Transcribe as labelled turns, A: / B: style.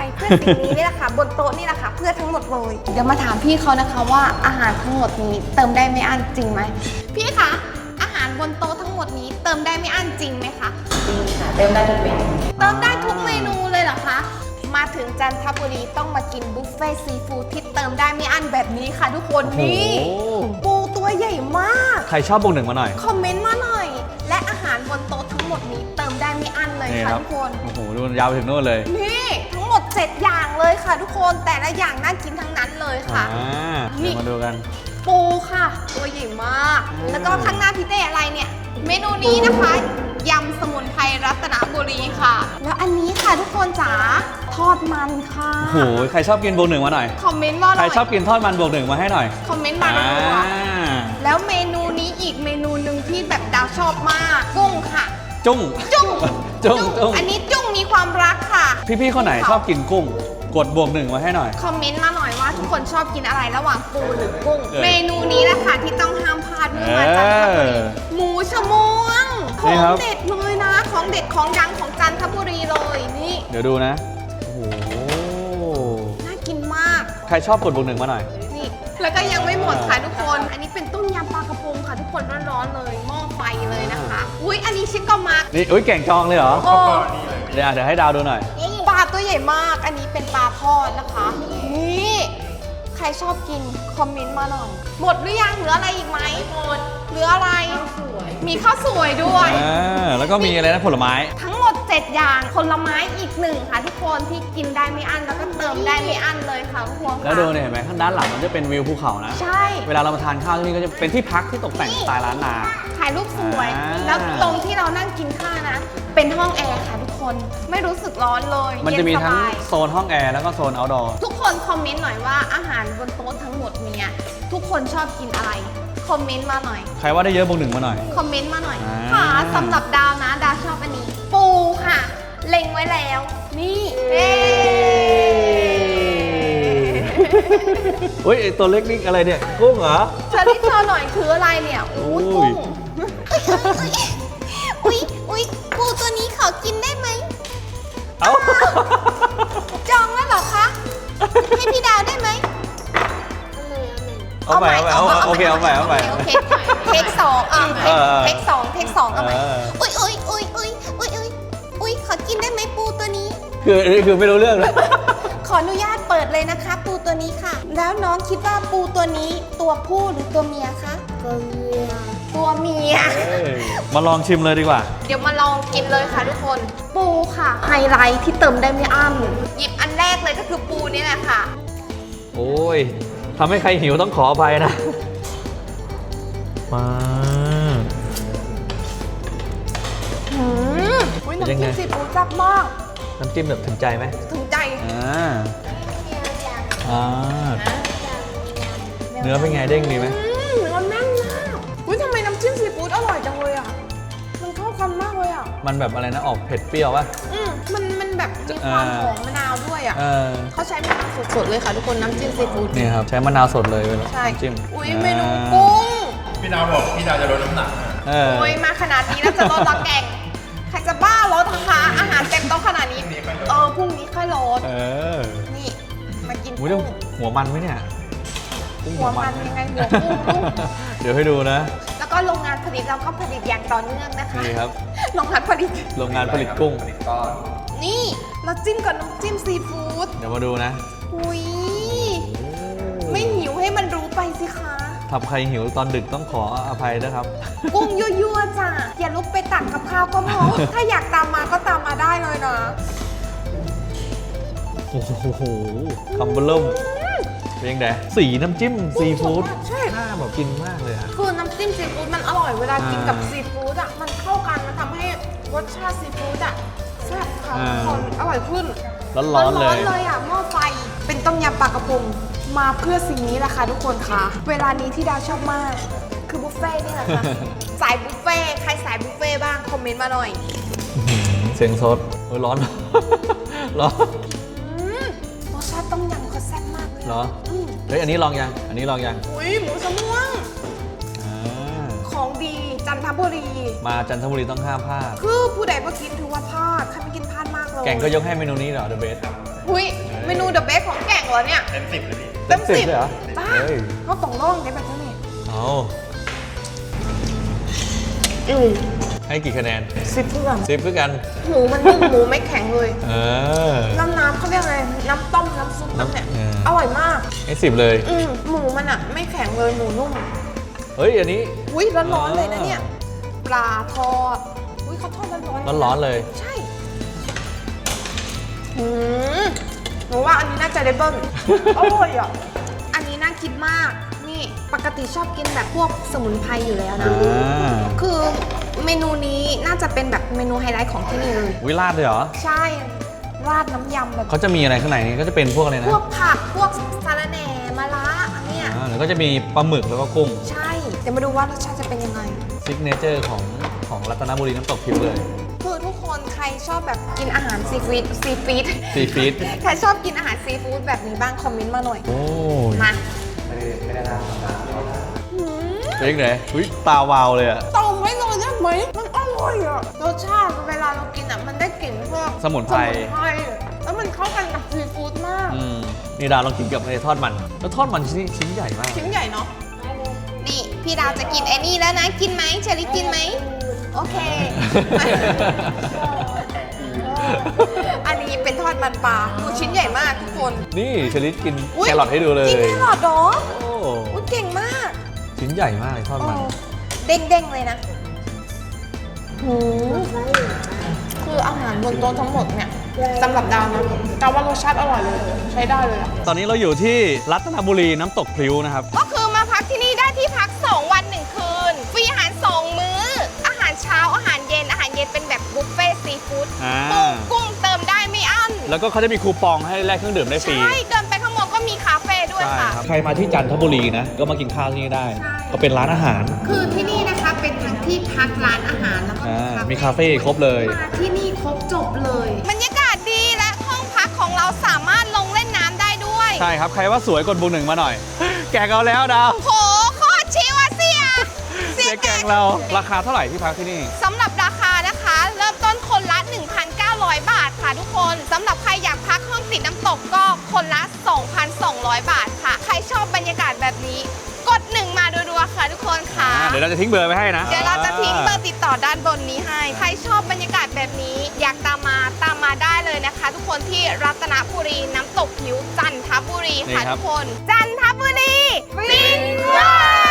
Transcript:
A: เพื่อสิ่งนี้นี่แหละค่ะบนโต๊ะนี่แหละค่ะเพื่อทั้งหมดเลยเดี๋ยวมาถามพี่เขานะคะว่าอาหารทั้งหมดนี้เติมได้ไม่อั้นจริงไหมพี่คะอาหารบนโต๊ะทั้งหมดนี้เติมได้ไม่อั้นจริงไหมคะ
B: จริงค่ะเติมได้ทุกเมนู
A: เติมได้ทุกเมนูเลยเหรอคะมาถึงจันทบุรีต้องมากินบุฟเฟ่ต์ซีฟู้ดที่เติมได้ไม่อั้นแบบนี้ค่ะทุกคนนี่ปูตัวใหญ่มาก
C: ใครชอบบวกหนึ่งมาหน่อย
A: คอมเมนต์มาหน่อย และอาหารบนโต๊ะทั้งหมดนี้เติมได้ไม่อั้นเลย
C: นี่
A: ค่ะ
C: ครับ
A: ทุกคน
C: โอ้โหดูยาวไปถึงโน่นเลย
A: นี่ทั้งหมด7อย่างเลยค่ะทุกคนแต่ละอย่างน่ากินทั้งนั้นเลยค่ะ
C: เดี๋ยวมาดูกัน
A: ปูค่ะ ตัวใหญ่มาก แล้วก็ข้างหน้าพี่เต้อะไรเนี่ย เมนูนี้นะคะยำสมุนไพรรัตนบุรีค่ะ แล้วอันนี้ค่ะทุกคนจ๋าทอดมันค่ะ
C: โอ้โหใครชอบกินบวกหนึ่งมาหน่อย
A: คอมเมนต์มาห
C: ใค
A: น่
C: ร
A: อย
C: ชอบกินทอดมันบวกหนึ่งมาให้หน่อย
A: คอมเมนต์มาหน่อยแล้วเมนูนี้อีกเมนูหนึ่งที่แบบดาวชอบมากกุ้งค่ะ
C: จุ้ง
A: จุ้ง
C: จุ้ง
A: อันนี้จุ้งมีความรักค่ะ
C: พี่ๆคนไหนชอบกินกุ้ง กดบวกหนึ่งมาให้หน่อย
A: คอมเมนต์มาหน่อยว่าทุกคนชอบกินอะไรระหว่างปูหรือกุ้ง
C: เออ
A: เมนูนี้แหละค่ะที่ต้องห้ามพลาดเมื่อมาจันทบุรีหมูชะมวงข
C: นี่
A: อง
C: ครับ
A: เด็ดเลยนะ ของเด็ดของดังของจันทบุรีเลยนี่
C: เดี๋ยวดูนะ โอ้โห
A: น่ากินมาก
C: ใครชอบกดบวกหนึ่งมาหน่อย
A: นี่แล้วก็ยังไม่หมดค่ะทุกคน อันนี้เป็นต้มยำปลากระพงค่ะทุกคนร้อนๆเลยหม้อไฟเลยนะคะอุ๊ยอันนี้ชิคก็มาร์ก
C: นี่อุ้ยแก่งจองเลยเหรอ
A: โอ้
C: เดี๋ยวให้ดาวดูหน่อย
A: ปลาตัวใหญ่มาก อันนี้เป็นปลาทอดนะคะ นี่ ใครชอบกินคอมเมนต์มาหน่อย หมดหรือยังเหลืออะไรอีกไหมหมดเหลืออะไร มีข้าวสวยด้วย
C: แล้วก็มีอะไรนะผลไม้
A: ทั้งหมด 7 อย่างผลไม้อีกหนึ่งค่ะทุกคนที่กินได้ไม่อั้นแล้วก็เติมได้ไม่อั้นเลยค่ะทุกคนค่ะ
C: แล้วดูเนี่ยเห็นไหมข้างด้านหลังมันจะเป็นวิวภูเขานะ
A: ใช่
C: เวลาเรามาทานข้าวที่นี่ก็จะเป็นที่พักที่ตกแต่งสไตล์ล้านนา
A: ถ่ายรูปสวย
C: อ่า
A: แล้วตรงที่เรานั่งกินข้าวนะ เป็นห้องแอร์ค่ะทุกคน ไม่รู้สึกร้อนเลย
C: มันจะมี
A: เย็นส
C: ทั้ง
A: บาย
C: โซนห้องแอร์แล้วก็โซน outdoor
A: ทุกคนคอมเมนต์หน่อยว่าอาหารบนโต๊ะทั้งหมดเนี้ยทุกคนชอบกินอะไร คอมเมนต์มาหน่อย
C: ใครว่าได้เยอะบวกหนึ่งมาหน่อย
A: คอมเมนต์มาหน่อย
C: อ่า
A: ค่ะสำหรับดาวนะ ดาวชอบอันนี้ ปูค่ะ เล็งไว้แล้ว นี่เอ๊
C: อุ้ยไอ้ตัวเล็กนี่อะไรเนี่ย กุ้งเหรอ
A: เชอรี่เธอหน่อยคืออะไรเนี่ยอู้
C: อุ้
A: กุ้
C: ย
A: งอุ๊ยปูตัวนี้ขอกินได้ไหม
C: เอ้า
A: จองแล้วเหรอคะ ให้พี่ดาวได้ไหม
C: เอาใหม่โอเคเอาใหม่
A: โอเคเทคสองเทคสองเอาใหม่
C: เออ
A: อุ้ยขอกินได้ไหมปูตัวนี้
C: คือไม่รู้เรื่องเลย
A: ขออนุญาตเปิดเลยนะคะ ปูตัวนี้ค่ะ แล้วน้องคิดว่าปูตัวนี้ตัวผู้หรือตัวเมียคะตัวเมีย
C: มาลองชิมเลยดีกว่า
A: เดี๋ยวมาลองกินเลยค่ะทุกคน ปูค่ะไฮไลท์ที่เติมได้ไม่อั้นหยิบอันแรกเลยก็คือปูนี่แหละค่ะ
C: โอ้ยทำให้ใครหิวต้องขออภัยนะ มา
A: อุ้ยน้ำจิ้มซีฟู้ดจับมาก
C: น้ำจิ้มแบบถึงใจไหม
A: ถึงใจ
C: เนื้อเป็นไงเด้งดีไหม
A: เนื้อแน่นมากอุ้ยทำไมน้ำจิ้มซีฟู้ดอร่อยจังเลยอ่ะ มันเข้ากันมากเลยอ่ะ
C: มันแบบอะไรนะออกเผ็ดเปรี้ยวป่ะ
A: มันแบบมีความหอมมะนาวด้วยอ่ะ เขาใช้มะนาวสดๆเลยค่ะทุกคนน้ำจิ้มซีฟู้ด
C: นี่ครับใช้มะนาวสดเลยเวลา
A: ใช่
C: น้ำจิ้ม
A: อุ้ยเมนูกุ้ง
D: พี่ดาวบอกพี่ดาวจะลดน้ำหนัก
A: โอ้ยมาขนาดนี้แล้วจะลดละแกงใครจะบ้าลดนะคะอาหารเต็มโต๊ะขนาดนี้ พรุ่งนี้ค่อยลด นี่ มากิน
C: อุ้
A: กุ้
C: ย
A: ง
C: หัวมันไหมเนี่ยกุ้ง
A: หัวมันยังไงหัวกุ้ง
C: เดี๋ยวให้ดูนะ
A: แล้วก็โรงงานผลิตเราก็ผลิตอย่างต่อเนื่องนะคะ
C: นี่ครับ
A: โรงงานผลิต
C: โรงงานผลิตกุ้ง
A: นี่เราจิ้มกับน้ำจิ้มซีฟู้ด
C: เดี๋ยวมาดูนะ
A: อุ้ยไม่หิวให้มันรู้ไปสิคะ
C: ทำใครหิวตอนดึกต้องขออภัยนะครับ
A: กุ้งยั่วๆจ้ะอย่าลุกไปตักกับข้าวก็พอ ถ้าอยากตามมาก็ตามมาได้เลยนะ
C: โอ้โหคำเบลิ่มเป็นยังไงสีน้ำจิ้มซีฟู้ด
A: ใช่
C: น่าแบบกินมากเลยอะ
A: คือน้ำจิ้มซีฟู้ดมันอร่อยเวลากินกับซีฟู้ดอ่ะมันเข้ากันมันทำให้รสชาติซีฟู้ดอ่ะแซ่บค่ะทุกคนอร่อยขึ้น
C: ร้อนๆเลย
A: เลยอ่ะหม้อไฟเป็นต้มยำปลากระพงมาเพื่อสิ่งนี้แหละค่ะทุกคนค่ะ เวลานี้ที่ดาวชอบมาก คือบุฟเฟ่ต์นี่แหละ ค่ะ สายบุฟเฟ่ต์ใครสายบุฟเฟ่ต์บ้างคอมเมนต์มาหน่อย
C: เสียงสดโอ้ยร้อน ร้อน
A: รสชาติต้มยำเขาแซ่บมากเลย
C: เหรอ
A: อืม
C: เฮ้ยอันนี้ลองยังอันนี้ลองยัง
A: อุ้ยหมูสะม่วง
C: อ่า
A: ของดีจันทบุรี
C: มาจันทบุรีต้องห้ามพลาด
A: คือผู้ใดมากินถือว่าพลาดใครไม่กินพลาดมากเลย
C: แกงก็ยกให้เมนูนี้เหรอ The Best
D: ใช่
A: หุยเมนูเดอะเบสของแก่งเหรอเนี่ย
D: เต็ม10เลยพี่
A: เต็มสิบ
C: เลยเหรอ
A: ป้า
C: เฮ้ย
A: เขาต้องลองได้แบบนี้
C: เอา ให้กี่คะแนน
A: 10เพื่อน
C: 10เพื่อกัน
A: หมูมันนุ่มหมูไม่แข็งเลย
C: เออ
A: น้ำเขาเรียกอะไรน้ำต้มน้ำซุปน้ำเนี่ย
C: เออ
A: อร่อยมาก
C: ให้10เลย
A: หมูมันอ่ะไม่แข็งเลยหมูนุ่ม
C: เฮ้ย อันนี้
A: อุ้ยร้อนๆเลยนะเนี่ยปลาทอดอุ้ยเขาทอดร้อนๆ
C: ร้อนๆเลย
A: ใช่หนูว่าอันนี้น่าจะได้เบิ้ล อร่อยอ่ะอันนี้น่ากินมากนี่ปกติชอบกินแบบพวกสมุนไพรอยู่แล้วนะ คือเมนูนี้น่าจะเป็นแบบเมนูไฮไลท์ของที่นี่เลย
C: วิราดเลยเหรอ
A: ใช่ราดน้ำยำแบบ
C: เขาจะมีอะไรข้างในนี้ก็จะเป็นพวกอะไรนะ
A: พวกผักพวกสาระแหน่มะระอันเนี่ย
C: หรือก็จะมีปลาหมึกแล้วก็กุ้ง
A: ใช่เดี๋ยวมาดูว่ารสชาติจะเป็นยังไง
C: ซิกเนเจอร์ของรัตนบุรีน้ำตกพิวเลย
A: คือทุกคนใครชอบแบบกินอาหารซีฟู้ด
C: ซีฟีด
A: ใครชอบกินอาหารซีฟู้ดแบบนี้บ้างคอมเมนต์มาหน่อย
C: โอ้ย
A: มา
C: เป็นยังไงอุ้ยตาวาวเลยอะ
A: ตองไว้เลยได้ไหมมันอร่อยอ่ะรสชาติเวลาเรากินอ่ะมันได้กลิ่นพวก
C: สมุนไพร
A: แล้วมันเข้ากันกับซีฟู้ดมาก
C: นี่ดาวลองกินกับไอ้ทอดมัน แล้วทอดมันชิ้นใหญ่มาก
A: ชิ้นใหญ่เนาะนี่พี่ดาวจะกินไอ้นี่แล้วนะกินไหมเชอรี่กินไหมโอเค อันนี้เป็นทอดมันปลาดูชิ้นใหญ่มากทุกคน
C: นี่เชลิดกิน
A: อุ๊ย
C: แครอทให้ดูเลย
A: กินแครอทเหรอ
C: โอ้
A: อุ๊ยเก่งมาก
C: ชิ้นใหญ่มากเลยทอดมัน
A: เด้งๆเลยนะหืมคืออาหารบนโต๊ะทั้งหมดเนี่ยสำหรับดาวนะดาวว่ารสชาติอร่อยเลยใช้ได้เลยอะ
C: ตอนนี้เราอยู่ที่รัตนบุรีน้ำตกพลิ้วนะครับ
A: ก็คือมาพักที่นี่ได้ที่พัก 2 วัน 1 คืน ฟรีอาหาร 2 มื้อ อาหารเช้าอาหารเย็นเป็นแบบบุฟเฟ่ต์ซีฟู้ด
C: อ่า
A: ปูกุ้งเติมได้ไม่อั้น
C: แล้วก็เขาจะมีคูปองให้แลกเครื่องดื่มได้ฟรี
A: ใช่ เดินไปข้างบนก็มีคาเฟ่ด้วยค่ะ
C: ใครมาที่จันทบุรีนะ ก็มากินข้าวที่นี่ได้
A: ใช่
C: ก็เป็นร้านอาหาร
A: คือที่นี่นะคะเป็นทั้งที่พักร้านอาหารแล้วก็
C: มีคาเฟ่ครบเลย
A: มาที่นี่ครบจบเลยบรรยากาศดีและห้องพักของเราสามารถลงเล่นน้ำได้ด้วย
C: ใช่ครับ ใครว่าสวยกดบุกหนึ่งมาหน่อย แกงเอาแล้วดาว
A: โหโคตรชิวอะเสีย
C: เสียแกงเรา ราคาเท่าไหร่ที่พักที่นี่
A: สำหรับราคานะคะ เริ่มต้นคนละ 1,900 บาทค่ะทุกคนสำหรับใครอยากพักห้องติดน้ำตกก็คนละ 2,200 บาทค่ะ ใครชอบบรรยากาศแบบนี้กด 1 มารัวๆค่ะทุกคนค่ะ
C: เดี๋ยวเราจะทิ้งเบอร์ไว้ให้นะ
A: เดี๋ยวเราจะทิ้งเบอร์ติดต่อด้านบนนี้ให้ ใครชอบบรรยากาศแบบนี้ อยากตามมาได้เลยนะคะ ทุกคนที่รัตนบุรีน้ำตกผิวจันทบุรีค่ะ
C: นี่ครับ
A: ทุกคน จันทบุรีฟินว้า